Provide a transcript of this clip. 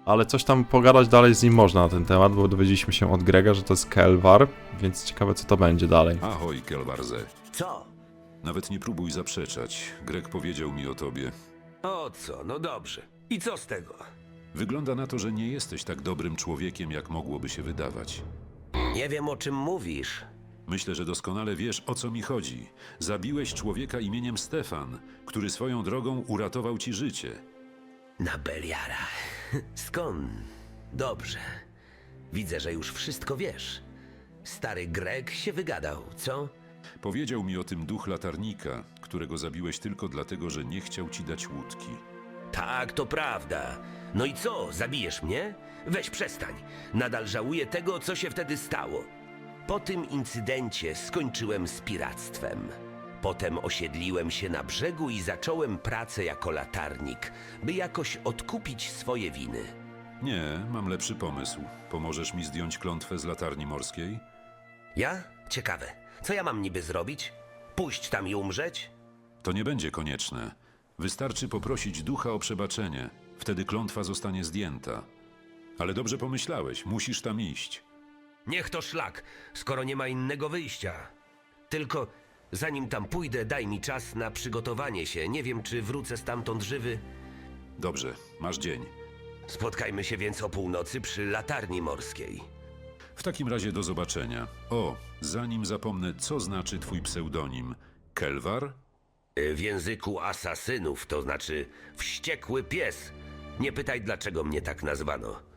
ale coś tam pogadać dalej z nim można na ten temat, bo dowiedzieliśmy się od Grega, że to jest Kelwar, więc ciekawe co to będzie dalej. Ahoj, Kelwarze. Co? Nawet nie próbuj zaprzeczać. Greg powiedział mi o tobie. O co? No dobrze. I co z tego? Wygląda na to, że nie jesteś tak dobrym człowiekiem, jak mogłoby się wydawać. Nie wiem, o czym mówisz. Myślę, że doskonale wiesz, o co mi chodzi. Zabiłeś człowieka imieniem Stefan, który swoją drogą uratował ci życie. Na Beliara. Skąd? Dobrze. Widzę, że już wszystko wiesz. Stary Greg się wygadał, co? Powiedział mi o tym duch latarnika, którego zabiłeś tylko dlatego, że nie chciał ci dać łódki. Tak, to prawda. No i co, zabijesz mnie? Weź przestań. Nadal żałuję tego, co się wtedy stało. Po tym incydencie skończyłem z piractwem. Potem osiedliłem się na brzegu i zacząłem pracę jako latarnik, by jakoś odkupić swoje winy. Nie, mam lepszy pomysł. Pomożesz mi zdjąć klątwę z latarni morskiej? Ja? Ciekawe. Co ja mam niby zrobić? Pójść tam i umrzeć? To nie będzie konieczne. Wystarczy poprosić ducha o przebaczenie. Wtedy klątwa zostanie zdjęta. Ale dobrze pomyślałeś, musisz tam iść. Niech to szlak, skoro nie ma innego wyjścia. Tylko zanim tam pójdę, daj mi czas na przygotowanie się. Nie wiem, czy wrócę stamtąd żywy. Dobrze, masz dzień. Spotkajmy się więc o północy przy latarni morskiej. W takim razie do zobaczenia. O, zanim zapomnę, co znaczy twój pseudonim? Kelwar? W języku asasynów to znaczy wściekły pies. Nie pytaj, dlaczego mnie tak nazwano.